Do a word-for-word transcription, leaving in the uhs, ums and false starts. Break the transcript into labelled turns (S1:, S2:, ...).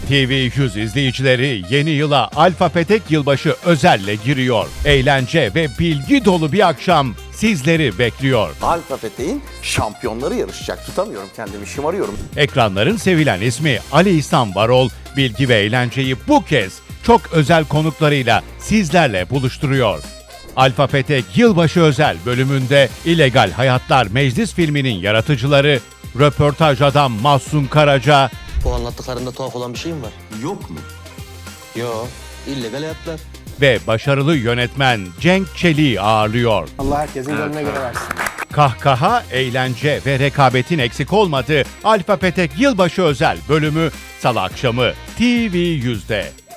S1: T V yüz izleyicileri yeni yıla Alfa Petek Yılbaşı özelle giriyor. Eğlence ve bilgi dolu bir akşam sizleri bekliyor.
S2: Alfa Petek'in şampiyonları yarışacak. Tutamıyorum kendimi, şımarıyorum.
S1: Ekranların sevilen ismi Ali İhsan Varol, bilgi ve eğlenceyi bu kez çok özel konuklarıyla sizlerle buluşturuyor. Alfa Petek Yılbaşı özel bölümünde İllegal Hayatlar Meclis filminin yaratıcıları, röportaj adam Mahsun Karaca
S3: Bu anlattıklarında tuhaf olan bir şey mi var?
S2: Yok mu?
S3: Yok. İllegal hayatlar.
S1: ve başarılı yönetmen Cenk Çelik'i ağırlıyor.
S4: Allah herkesin gönlüne göre versin.
S1: Kahkaha, eğlence ve rekabetin eksik olmadığı Alfa Petek Yılbaşı özel bölümü Salı akşamı T V yüzde.